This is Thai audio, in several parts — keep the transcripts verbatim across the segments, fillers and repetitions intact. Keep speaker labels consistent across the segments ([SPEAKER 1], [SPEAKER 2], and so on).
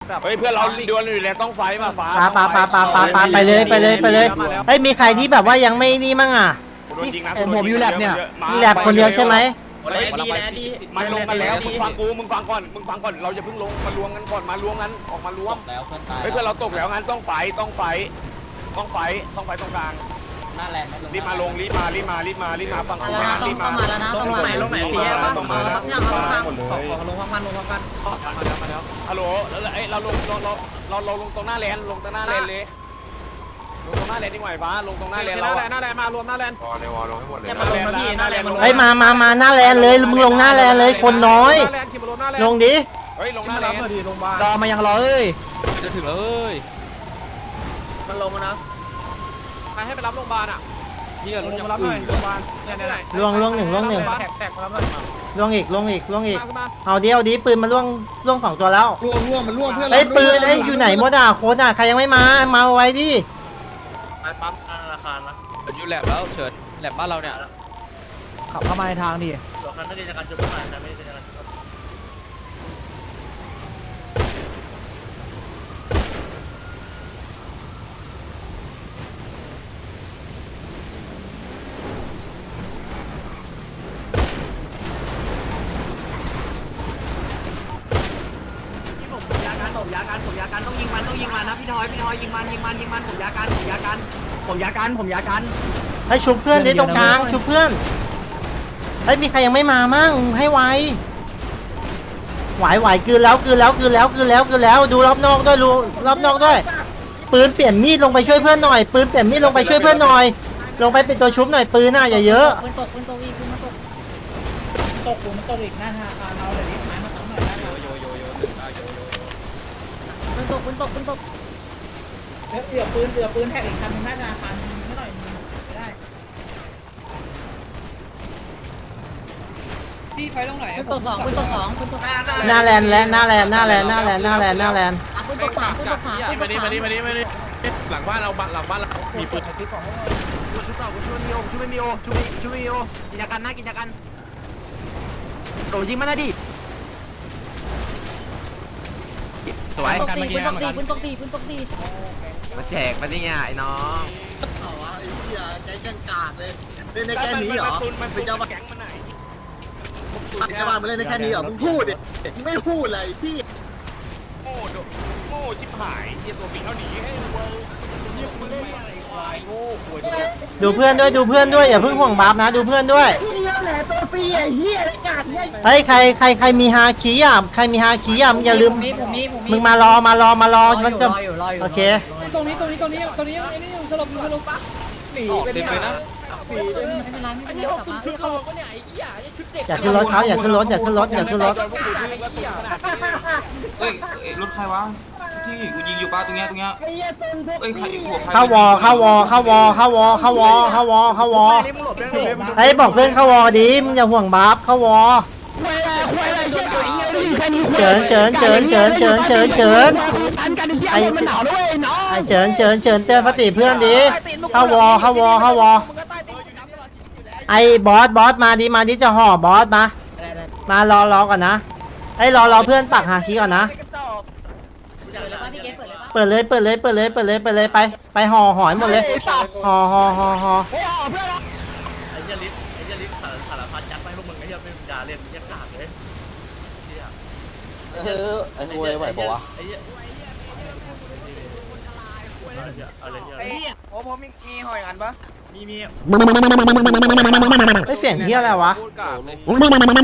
[SPEAKER 1] เฮ้ยเพื่อนเราดวลอยู่แล้วต้องไฟมาฟ้า
[SPEAKER 2] ปาปาปาปาปาปาไปเลยไปเลยไปเลยเฮ้ยมีใครที่แบบว่ายังไม่นี่มั่งอ่ะ
[SPEAKER 3] ผมอยู่แลบเนี่ย
[SPEAKER 2] มีแลบคนเดียวใช่ไหม
[SPEAKER 1] เฮ้ยดีนะดีมันลงกันแล้วมึงฟังกูมึงฟังก่อนมึงฟังก่อนเราจะเพิ่งลงมารวมกันก่อนมารวมกันออกมารวมแล้วเพื่อนตายเฮ้ยเพื่อนเราตกแล้วงั้นต้องไฟต้องไฟต้องไฟต้องไฟตรงกลางหน้าแลนด์รีบมาลงรีบมารีบมารีบมารีบมาฟังกูนะรีบมาแล้วนะต้องไหนลงไหนเสียต้องมาแล้วเนี่ยเราต้องขอขอลงพังพันลงพังพันมาแล้วมาแล้วฮัลโหลแล้วไอ้เราลงเราเราเราเราลงตรงหน้าแลนด์ลงตรงหน้าแลนด์เลยลงตรงหน้าแลนด์ดีกว่าฟ้าลงตรงหน้าแลนด์เราหน้าแลนด์มารวมหน้าแลนด์
[SPEAKER 4] วอลเลยวอลลงให้หมดเลย
[SPEAKER 1] มาลงนะพี่หน้าแลนด์มาลง
[SPEAKER 2] เฮ้ยมามามาหน้าแลนเลยมึงลงหน้าแลนเลยคนน้อยลงดิ
[SPEAKER 1] เฮ้ยลงหน้าแลนด์
[SPEAKER 3] รอมายังรอเอ้ย
[SPEAKER 5] จะถึงแล้วเอ้ย
[SPEAKER 1] มันลงนะใครให้ไปรับโรงพยาบาลอ่ะ
[SPEAKER 5] นี่ก็รถยัง
[SPEAKER 1] มารับหน่อยโรงพยาบาลเนี่ยเนี่ย
[SPEAKER 2] ล่วงล่วงหนึ่งล่วงหนึ่ง
[SPEAKER 1] แตกแตกมารับหน่อย
[SPEAKER 2] ล่วงอีกล่วงอีกล่วงอีกเอาเดียวดิปืนมาล่วงล่วงสองตัวแล้ว
[SPEAKER 4] ร่วงร่วงมันร่วงเพื่อน
[SPEAKER 2] เฮ้ยปืนเอ้ยอยู่ไหนหมดอ่ะโค้ดอ่ะใครยังไม่มามาไว้ดิ
[SPEAKER 1] ไปปั๊มธนาคารนะ
[SPEAKER 5] เฉินอยู่แลบแล้วเฉินแลบบ้านเราเนี่ย
[SPEAKER 3] ขับเข้ามาในทางดิ
[SPEAKER 1] หลอกกันไม่ได้จากการจุดประมาณนะไม่ได้จากการจุด
[SPEAKER 6] ผมยาการผมยาการผมยาการต้องยิงมันต้องยิงมันนะพี่ทอยพี่ทอยยิงมันยิงมันยิงมันผมยาการผมยาการผมยาการผมยาการ
[SPEAKER 2] ให้ชุบเพื่อนดิตรงกลางชุบเพื่อนเฮ้ยมีใครยังไม่มามั่งให้ไวไหวไหวกืนแล้วกืนแล้วกืนแล้วกืนแล้วกืนแล้วดูรอบนอกด้วยดูรอบนอกด้วยปืนเปลี่ยนมีดลงไปช่วยเพื่อนหน่อยปืนเปลี่ยนมีดลงไปช่วยเพื่อนหน่อยลงไปเป็นตัวชุบหน่อยปืนน่ะอย่าเยอะ
[SPEAKER 7] ปืนตกปืนตกอีกปืนมาตกตกปืนมาตกอีกหน้าธนาคารเราเลยนี่หมายมาตั้งหน่อยนะปืนตกปืนตกปืนตกแล้วเหลือปืนเหลือปืนแท็กอีกคันหน้าธนาคารไม่หน่อยไม่ได้
[SPEAKER 6] พี่ไฟตรงไหน
[SPEAKER 7] ปืนตกสองปืนตกสองปืนตก
[SPEAKER 2] หน้าแลนและหน้าแลนหน้าแลนหน้าแลนหน้าแลนหน้าแลน
[SPEAKER 7] ปืนตกสามปืนตกสามปืนตกสาม
[SPEAKER 1] มาดิมาดิมาดิมาดิหลังบ้านเราหลังบ้านเรามีปืน
[SPEAKER 6] ชุดต่อชุดไม่มีโอชุดไม่มีโอชุดไม่ชุดไม่มีโอกิจการนะกิจการโดยิงมันนะดิสวย
[SPEAKER 7] ปืนตกสี่ปืนตกสี่ปืนตกสี่ปืนตกสี่
[SPEAKER 6] มาแจกมาดิเนี่ยไอ้น้อง
[SPEAKER 4] เอาวะไอ้เหี้ยใจกันกากเลยเล่นในแค่นี้เหรอ
[SPEAKER 1] มันเป็นเจ้าแก๊งมันไหน
[SPEAKER 4] จะมาเล่นในแค่นี้เหรอมึงพูดดิไม่พูดเลยพี่
[SPEAKER 1] โง่โง่ชิบหายเยี่ยตัวปีเขาหนีให้เวิร์ยี่มึงเล่นอะไรควายโง่ควาย
[SPEAKER 2] ดูเพื่อนด้วยดูเพื่อนด้วยอย่าเพิ่งห่วงบัฟนะดูเพื่อนด้วยเฮ้ยใครใครใครมีฮาคีอ่ะใครมีฮาคีอ่ะอย่าลืม
[SPEAKER 7] ผมมีผมมีผมมี
[SPEAKER 2] มึงมารอมารอมารอมันจะโอเค
[SPEAKER 6] ตรงนี้ตรงนี้ตรงนี้ตรงนี้ไอ้นี่สลบสลบปะหนี
[SPEAKER 5] ออกเต็มเลยนะ
[SPEAKER 7] ไม่เป็นไรไม่เป็นไรกลับมาที่เขา
[SPEAKER 2] อย่าขึ้นรถเขาอย่าขึ้นรถอย่าขึ้นรถอย่าขึ้นรถ
[SPEAKER 8] เฮ้ยรถใครวะที่กูยิงอยู่ป้าตรงเนี้ยตรงเนี้ยเอ้ยใครหัวใคร
[SPEAKER 2] เข้าวอเข้าวอเข้าวอเข้าวอเข้าวอเข้าวอเข้าวอไอ้บอกเพื่อนเข้าวอดีมึงอย่าห่วงบัฟเข้าวอเฉินเฉินเฉินเฉินเฉินเฉินเฉินไอ้ไอ้เฉินเฉินเฉินเตือนสติเพื่อนดิเข้าวอเข้าวอเข้าวอไอ้บอสบอสมาดิมาดิจะห่อบอสมามารอรอก่อนนะไอ้รอรอเพื่อนปักหาคีก่อนนะ
[SPEAKER 7] พี่เกตเปิดเลยปะ
[SPEAKER 2] เปิดเลยเปิดเลยเปิดเลยเปิดเลยเปิดเลยไปไปห่อหอยหมดเลยห่อห่อห่อห่อ
[SPEAKER 1] ไอ้เจลิฟไอ้เจลิฟสารสารพัดยัดไปพวกมึงไอ้เหี้ยเป็นยาเล่นยัดกากเลยเออไอ้หวยไหวปะวะไอ้เหี้ยอะไรเหี้ยโอ้ผมมีมีหอยอันปะมีมี
[SPEAKER 2] ไม่เสียงเฮียอะไรวะ
[SPEAKER 1] พูดกากเลย
[SPEAKER 2] โอ้ย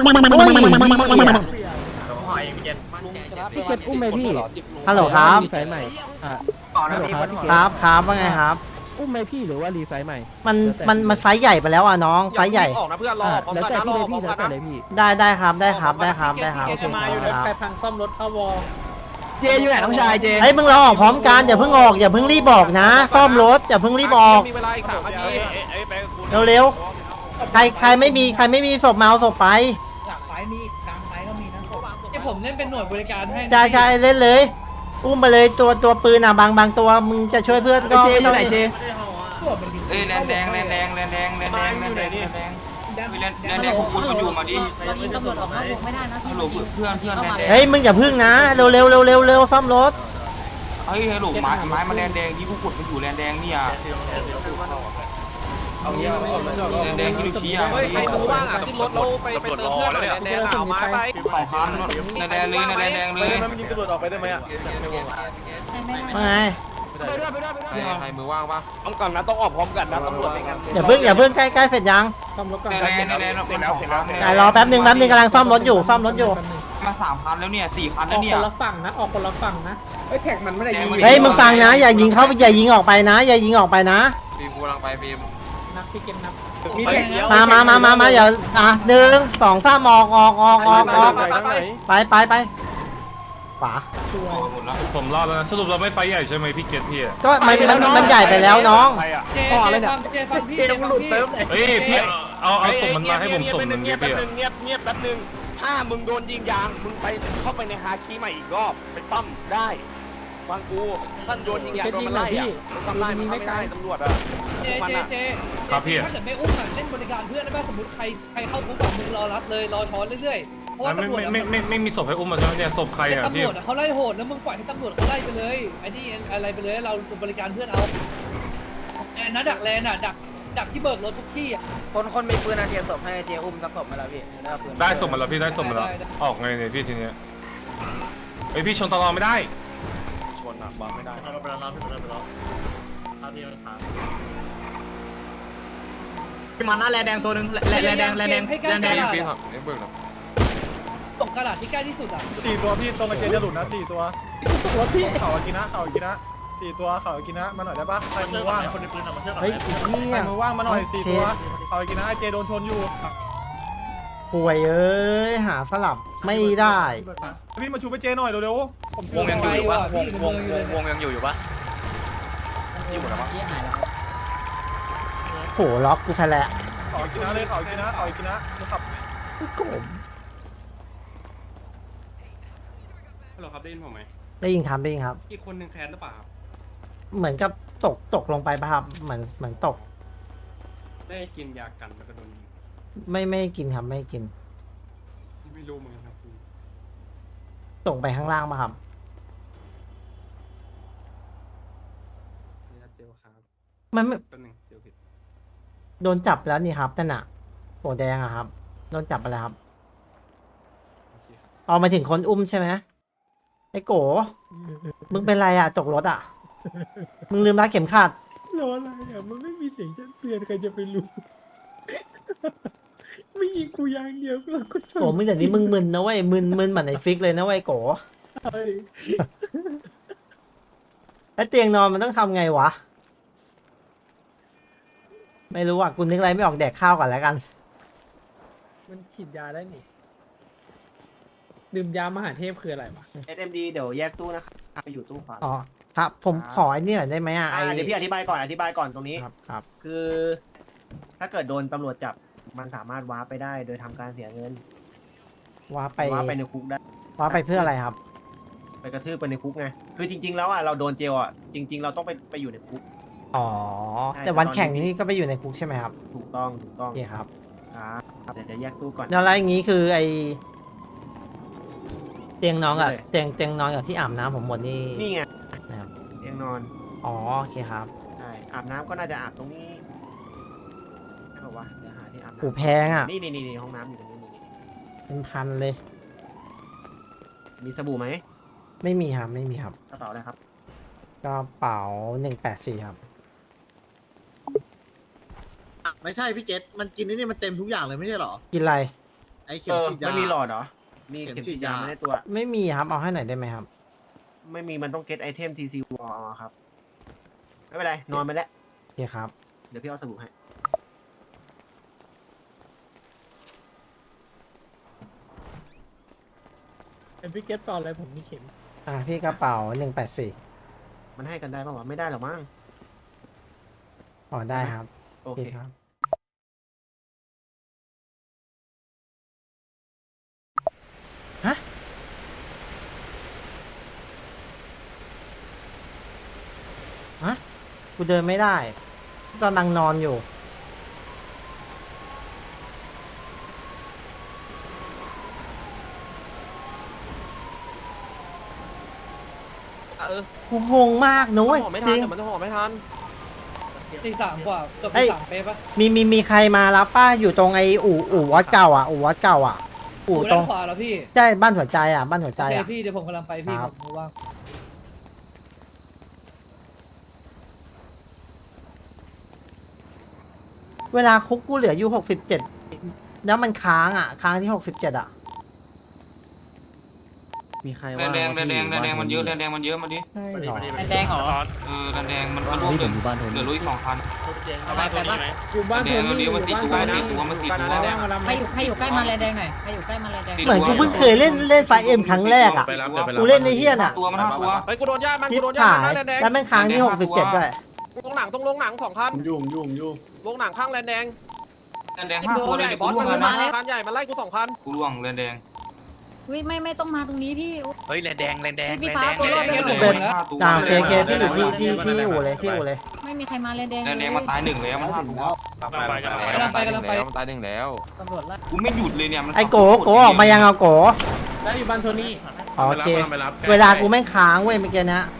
[SPEAKER 1] หอยมีเจ็ด
[SPEAKER 3] พี่เกตอุ้มไหมพี่
[SPEAKER 2] ฮัลโหลครับ
[SPEAKER 3] รีไฟใหม่อ่ะฮัลโหลครับพี่เก
[SPEAKER 2] ค
[SPEAKER 3] ต
[SPEAKER 2] รับครับว่าไงครับ
[SPEAKER 3] อุ้มไหมพี่หรือว่ารีไฟใหม่
[SPEAKER 2] มันมันมันไฟใหญ่ไปแล้วอ่ะน้องไฟใหญ่
[SPEAKER 1] ออกนะเพื่อนรอ
[SPEAKER 3] อ่ะ
[SPEAKER 1] พร้อม
[SPEAKER 3] แล้ว
[SPEAKER 1] กัน
[SPEAKER 3] แต่
[SPEAKER 1] นะร
[SPEAKER 3] พี่
[SPEAKER 1] อ
[SPEAKER 3] เลย
[SPEAKER 1] พร้อ
[SPEAKER 3] พี่
[SPEAKER 1] ม
[SPEAKER 3] แล้
[SPEAKER 1] กั
[SPEAKER 3] วน แต่
[SPEAKER 1] นะ
[SPEAKER 3] เลยพี่
[SPEAKER 2] ได้ได้ครับได้ครับได้ครับได้ครับ
[SPEAKER 7] มาอยู่แล้วแปพังซ่อมรถเข้าวอ
[SPEAKER 3] เจอยู่ไหนน้องชายเจ
[SPEAKER 2] ไอ้ยมึงรอออกพร้อมกันอย่าเพิ่งออกอย่าเพิ่งรีบบอกนะซ่อมรถอย่าเพิ่งรีบออก
[SPEAKER 1] มีเวลาอีกสามนาที
[SPEAKER 2] เร็วๆใครใครไม่มีใครไม่มีศพมาเอาศพไป
[SPEAKER 7] หลังไฟมีกลางไฟก็มีนะ
[SPEAKER 6] ที่ผมเล่นเป็นหน่วยบริการให้
[SPEAKER 2] ใช่ใช่เล่นเลยอุ้มไปเลยตัวตัวปืนอ่ะบางบางตัวมึงจะช่วยเพื่อนก็
[SPEAKER 3] เจอยู่ไหนเจ
[SPEAKER 8] เอ้ยแลนแดงแลนแดงแลนแดงแลนแดงแลนแดงแลนแดง
[SPEAKER 7] แด
[SPEAKER 8] แลนแลนแดงพวกคุณมันอยู่มาดิ
[SPEAKER 7] เรายิงตำรวจออกนอกวงไม่ได้นะ
[SPEAKER 8] ฮัลโหลเพื่อนเพื่อนแลนแดง
[SPEAKER 2] เฮ้ยมึงอย่าพึ่งนะเร็วเร็วเร็วเร็วเร็วซ่อมรถ
[SPEAKER 8] เฮ้ยฮัลโหลไม้ไม้มาแลนแดงนี่พวกคุณมันอยู่แลนแดงเนี่ยแลนแดงที่ลูกชี้อ่ะ
[SPEAKER 1] เฮ้ยใครมือว่างอ่ะขึ้นรถเราไปไปเติมเพื่อนหน่อยแดงเอาไม้ไป
[SPEAKER 8] สองคันแลนแดงเลยแลนแดงเลย
[SPEAKER 1] มันยิงตำรวจออกไปได้ไหมอ่ะ
[SPEAKER 2] ว่าไง
[SPEAKER 5] ใครมือว่างปะ
[SPEAKER 1] ต้องก่อนนะต้องออกพร้อมกันนะตำรวจในงาน
[SPEAKER 2] อย่าพึ่งอย่าพึ่งใกล้ใกล้เสร็จยัง
[SPEAKER 8] แลนแดงแลนแดง
[SPEAKER 1] เสร็จแล้วเสร็จแล้ว
[SPEAKER 2] อ่ะรอแป๊บนึงแป๊บนึงกำลังซ่อมรถอยู่ซ่อมรถอยู่
[SPEAKER 8] มาสามคันแล้วเนี่ยสี่คันแล้วเนี่ย
[SPEAKER 2] เฮ้ยมึงฟังนะอย่ายิงเข้าอย่ายิงออกไปนะ อย่ายิงออกไปนะ
[SPEAKER 5] บีมกูกำลังไปบีม
[SPEAKER 1] มีแท็กเดียว
[SPEAKER 2] มามามามามาอย่าอ่ะหนึ่งสองสามออกออกออกออกออกไปไปไปขวา
[SPEAKER 8] หมดแล้ว
[SPEAKER 9] ผมรอดแล้วนะสรุปเราไม่ไฟใหญ่ใช่ไหมพี่เกตพี่อะ
[SPEAKER 2] ก็มันมันมันใหญ่ไปแล้วน้อง
[SPEAKER 1] ใครอ่ะ
[SPEAKER 3] ต่อเลยเนี่ย
[SPEAKER 1] เกมหลุดเซิร์ฟ
[SPEAKER 9] เฮ้ยพี่เอาเอาส่งมันมาให้ผมส่งมัน
[SPEAKER 1] เงี
[SPEAKER 9] เงี
[SPEAKER 1] ย
[SPEAKER 9] ย
[SPEAKER 1] บบ แป๊บ
[SPEAKER 9] พี่
[SPEAKER 1] นึงเงียบเงียบแป๊บนึงถ้ามึงโดนยิงยางมึงไปเข้าไปในฮาคีใหม่อีกรอบไปซ่อมได้ฟังกูท่านโดนยิงยางโดนมันไล่อ่ะมันซ่อมไล่มันไม่ได้ตำรวจอ่ะ
[SPEAKER 10] เจเจเจ
[SPEAKER 9] ครับพี่
[SPEAKER 10] ถ้าเกิดไม่อุ้มอ่ะเล่นบริการเพื่อนได้ป่ะสมมติใครใครเข้าคุกอ่ะมึงรอรับเลยรอช้อนเรื่อยๆเพราะว่า
[SPEAKER 9] ไม่
[SPEAKER 10] ตำรวจ
[SPEAKER 9] ไม่ไม่ไม่ไม่มีศพให้อุ้มมาใช่ไหมเนี่ยศพใคร
[SPEAKER 10] แต่
[SPEAKER 9] อ่ะ
[SPEAKER 10] ตำ
[SPEAKER 9] พี่
[SPEAKER 10] รวจเขาไล่โหดแล้วมึงปล่อยให้ตำรวจเขาไล่ไปเลยไอ้นี่อะไรไปเลยเราบริการเพื่อนเอาแอนนะดักแลนอ่ะดักดักที่เบิกรถทุกที่อ่ะ
[SPEAKER 3] คนคนมีปืนอาเทียนศพให้เทียอุ้มสักศพมาแล้วพี่
[SPEAKER 9] ได้ส่งมาแล้วพี่ได้ส่งมาแล้วออกไงเนี่ยพี่ทีเนี้ยไอพี่ชนตลอดไม่ได้
[SPEAKER 1] ชนอ่ะบังไม่ได้
[SPEAKER 6] มันหน้าแลนแดงตัวนึงแลนแดงแลนแดงแลนแดง
[SPEAKER 5] บีมเอ็มเบิร์กนะ
[SPEAKER 10] ตกกระดาษที่ใกล้ที่สุดอ่ะ
[SPEAKER 11] สี่ตัวพี่ตรงกับเจจะหลุดนะสี่ตัวเข่าอากินะเข่าอากินะสี่ตัวเข่าอากินะมาหน่อยได้ปะใครมือว่างคนในปืนมาเชื่อ
[SPEAKER 2] เฮ้ยเฮี
[SPEAKER 11] ใคร
[SPEAKER 2] ย
[SPEAKER 11] มือว่างมาหน่อยสี่ตัวเข่าอากินะไอเจโดนชนอยู่
[SPEAKER 2] ป่วยเอ้ยหาสลับไม่ได้
[SPEAKER 11] พี่มาชูไปเจหน่อยเร็วๆผม
[SPEAKER 5] วงยังอยู่อยู่ปะวงวงวงวงยังอยู่อยู่ปะอยู่หมดแล้วปะ
[SPEAKER 2] โหล็อกกูซะแล้ว
[SPEAKER 11] เข่าอากินะเลยเข่าอากินะเข่าอากินะขับ
[SPEAKER 1] ฮัลโหลครับได้ยินผมไหม
[SPEAKER 2] ได้ยินครับได้ยินครับ
[SPEAKER 1] อีกคนหนึ่งแคนหรือเปล่าครับ
[SPEAKER 2] เหมือนกับตกตกลงไปป่ะครับเหมือนเหมือนตก
[SPEAKER 1] ได้กินยากันแล้วก็โดนยิง
[SPEAKER 2] ไม่ไม่กินครับไม่กิน
[SPEAKER 1] ไม่รู้เหมือนกันครับ
[SPEAKER 2] ตกไปข้างล่างป่ะครับ
[SPEAKER 1] ยาเจลครับ
[SPEAKER 2] มันไม่
[SPEAKER 1] แป๊บนึงเจลผิด
[SPEAKER 2] โดนจับแล้วนี่ครับนั่นน่ะโหแดงอะครับโดนจับไปแล้วครับ
[SPEAKER 1] โอเคครับ
[SPEAKER 2] เอามาถึงคนอุ้มใช่ไหมไอ้โกมึงเป็นไรอะตกรถอะมึงลืมรัดเข็มขัด
[SPEAKER 11] รออะไรอ่ะมันไม่มีเสียงเตือนใครจะไปรู้ไม่ยิงกูยางเดียวเราก็ชน
[SPEAKER 2] โกมึงแต่นี้มึงมึนนะเว้ยมึนมึนเหมือนไอ้ฟิกเลยนะเว้ยโกแล้วเตียงนอนมันต้องทำไงวะไม่รู้อ่ะกูนึกอะไรไม่ออกแดกข้าวก่อนแล้วกัน
[SPEAKER 3] มันฉีดยาได้นี่ดื่มยามหาเทพคืออะไรวะ
[SPEAKER 6] เอสเอ็มดีเดี๋ยวแยกตู้นะครับไปอยู่ตู้ขวา
[SPEAKER 2] อ๋อครับผมขอไอ้นี่หน่อยได้ไหมอ่ะไอ้
[SPEAKER 6] เดี๋ยวพี่อธิบายก่อนอธิบายก่อนตรงนี้
[SPEAKER 2] ครับครับ
[SPEAKER 6] คือ ถ้าเกิดโดนตำรวจจับมันสามารถว้าร์ปไปได้โดยทำการเสียเงิน
[SPEAKER 2] ว่าไป
[SPEAKER 6] ว้าร์ปไปในคุกได้
[SPEAKER 2] ว่าไปเพื่ออะไรครับ
[SPEAKER 6] ไปกระทืบไปในคุกไงคือจริง ๆ แล้วอ่ะเราโดนเจลอ่ะจริง ๆ เราต้องไปไปอยู่ในคุก
[SPEAKER 2] อ๋อ
[SPEAKER 6] ใช่
[SPEAKER 2] แต่วัน
[SPEAKER 6] แต่ตอนนี้
[SPEAKER 2] แข่งนี่ก็ไปอยู่ในคุกใช่ไหมครับ
[SPEAKER 6] ถูกต้องถูกต้อง
[SPEAKER 2] โอเคครับ
[SPEAKER 6] ครับเดี๋ยวเดี๋ยวแยกตู้ก่อน
[SPEAKER 2] แล้วอะไรอย่างงี้คือไอเตียงนอนกับ
[SPEAKER 6] นี่เลย
[SPEAKER 2] เตียงเตียงนอนกับที่อาบน้ำผมหมดนี่
[SPEAKER 6] นี่ไง
[SPEAKER 2] นะครับ
[SPEAKER 6] เตียงนอน
[SPEAKER 2] อ๋อโอเคครับ
[SPEAKER 6] ใช่อาบน้ำก็น่าจะอาบตรงนี้ใช่ป่าวะเดี๋ยวหาที่อาบ
[SPEAKER 2] หู
[SPEAKER 6] น้ำ
[SPEAKER 2] แพงอ่ะ
[SPEAKER 6] นี่นี่นี่ห้องน้ำอยู่ตรงนี้นี่นี่
[SPEAKER 2] เป็นพันเลย
[SPEAKER 6] มีสบู่ไหม
[SPEAKER 2] ไม่มีครับไม่มีครับ
[SPEAKER 6] กระเป๋าอะไรครับ
[SPEAKER 2] กระเป๋าหนึ่งแปดสี่ครับ
[SPEAKER 4] ไม่ใช่พี่เจษมันกินนี่มันเต็มทุกอย่างเลยไม่ใช่หรอ
[SPEAKER 2] กินอะไร
[SPEAKER 4] ไอ้เข็
[SPEAKER 6] เอ
[SPEAKER 4] ม
[SPEAKER 6] อ
[SPEAKER 4] ฉีดยา
[SPEAKER 6] ไม่มีหลอดเหรอมี
[SPEAKER 4] เข็ม
[SPEAKER 6] เข็ม
[SPEAKER 4] ฉี
[SPEAKER 6] ฉี
[SPEAKER 4] ด
[SPEAKER 6] ดยาย
[SPEAKER 4] า
[SPEAKER 6] ไม่ในตัว
[SPEAKER 2] ไม่มีครับเอาให้หน่อยได้ไหมครับ
[SPEAKER 6] ไม่มีมันต้องเก็ตไอเทมทีซีวอลครับ ไม่เป็นไร นอนไปแล้ว
[SPEAKER 2] โอเคครับ
[SPEAKER 6] เดี๋ยวพี่เอาสบู่ให้
[SPEAKER 3] เป็นพี่เก็ตต่ออะไรผมมีเข็ม
[SPEAKER 2] อ่าพี่กระเป๋าหนึ่งแปดสี่
[SPEAKER 6] มันให้กันได้ป่าววะไม่ได้หรอกมั้ง
[SPEAKER 2] อ๋อได้ครับ
[SPEAKER 6] โอ
[SPEAKER 2] โอ
[SPEAKER 6] เค
[SPEAKER 2] เคครับฮะฮะกูเดินไม่ได้กำลังนอนอยู่กูงงมากนะเว้ยจริง
[SPEAKER 11] มันจะห่อไม่ทัน
[SPEAKER 10] ตีสามกว่าเกือบ
[SPEAKER 2] เอ้
[SPEAKER 10] ตี
[SPEAKER 2] ย
[SPEAKER 10] สามเป๊ะปะ
[SPEAKER 2] มีมีมีใครมารับป้าอยู่ตรงไอ้อู่อู่วัดเก่าอ่ะอู่วัดเก่าอ่ะอู่
[SPEAKER 10] อู่
[SPEAKER 2] ตร
[SPEAKER 10] ด้าง นขวาแล้วพี่
[SPEAKER 2] ใช่บ้านหัวใจอ่ะบ้านหัว
[SPEAKER 10] โอ
[SPEAKER 2] ใจ
[SPEAKER 10] เค
[SPEAKER 2] อ่ะ
[SPEAKER 10] พี่เดี๋ยวผมกำลังไปพี่
[SPEAKER 2] ครับ
[SPEAKER 10] ผมว่าง
[SPEAKER 2] เวลาคุกกูเหลืออยู่หกสิบเจ็ดแล้วมันค้างอ่ะค้างที่หกสิบเจ็ดอ่ะ
[SPEAKER 8] มีใคร
[SPEAKER 5] แด
[SPEAKER 8] ว่าง
[SPEAKER 5] แดงแดงแดงแดงมันเยอะแดงแดงมันเยอะมาดิ
[SPEAKER 2] ใช่หรอ
[SPEAKER 7] แดงเหรอ
[SPEAKER 5] เออแดงแดงมันมันรวมเหลือเหลือลุยสองพัน
[SPEAKER 7] ไปไปบ้าน
[SPEAKER 3] อยู่บ้าน
[SPEAKER 5] แด
[SPEAKER 3] โท
[SPEAKER 5] งเรา
[SPEAKER 3] นี่
[SPEAKER 5] เลี้ยวมาสี่
[SPEAKER 3] อยู่
[SPEAKER 5] ตัว
[SPEAKER 3] บ้าน
[SPEAKER 5] สี่ตัวมาสี่ตัว
[SPEAKER 3] แดงมาลำ
[SPEAKER 7] ใครอยู่ใครอยู่ใกล้มาแลแดงหน่อยใครอยู่ใกล้มาแลแดง
[SPEAKER 2] เหมือนกูเพิ่งเคยเล่นเล่นไฟเอ็มครั้งแรกอ่ะ กูเล่นในเฮียน่ะ
[SPEAKER 5] ตัวมันห้าตัว
[SPEAKER 11] เฮ้ยกูโดนญาติมัน
[SPEAKER 2] ทิ
[SPEAKER 11] กู
[SPEAKER 2] ป
[SPEAKER 11] โดนญาติ
[SPEAKER 2] ถ่า
[SPEAKER 11] มัน
[SPEAKER 2] ย
[SPEAKER 11] นะแลนแดง
[SPEAKER 2] แล้วแม่งค้างที่หกสิบเจ็ดด้วย
[SPEAKER 11] ลงหนังตรงลงหนังสองคัน
[SPEAKER 4] ยุ่งยุ่งยุ่ง
[SPEAKER 11] ลงหนังข้างแลนแดง
[SPEAKER 5] แดงแดงห้าตัวเลย
[SPEAKER 11] ใหญ่
[SPEAKER 5] กู
[SPEAKER 11] บอส
[SPEAKER 5] ล่ว
[SPEAKER 11] มั
[SPEAKER 5] ง
[SPEAKER 11] น
[SPEAKER 5] แล้ว
[SPEAKER 11] มา
[SPEAKER 5] นะ
[SPEAKER 11] คันใหญ่มันไล่กูสองคัน
[SPEAKER 5] กูล่วงแดงแดง
[SPEAKER 7] วิไม่ไม่ต้องมาตรงนี้พี่
[SPEAKER 5] เฮ้ยแดงแดงแดง
[SPEAKER 7] พี่
[SPEAKER 5] แด
[SPEAKER 7] ฟ้าง ตัวรอด
[SPEAKER 5] แด
[SPEAKER 7] ไป
[SPEAKER 5] ง
[SPEAKER 7] หมด
[SPEAKER 5] แด
[SPEAKER 7] เล
[SPEAKER 5] ง
[SPEAKER 7] ย
[SPEAKER 5] ห้าตัว
[SPEAKER 2] ตามเคเคพี่อยู่ที่ที่ที่อู่เลยที่อู่เลย
[SPEAKER 7] ไม่มีใครมาแลแดง
[SPEAKER 5] แดงแดงมันตายหนึ่งแล้วมันห้าตัว
[SPEAKER 10] กำลังไปกำลังไป
[SPEAKER 8] ตายหนึ่งแล้ว
[SPEAKER 7] ตำรวจไล่
[SPEAKER 5] กูไม่หยุดเลยเนี่ยมัน
[SPEAKER 2] ไอ้โกโกออกมายังเอาโก
[SPEAKER 3] แล้วอยู่บ้านโทนี่
[SPEAKER 2] อ๋อโอเค เวลากูแม่งค้างเว้ยเมื่อกี้นะ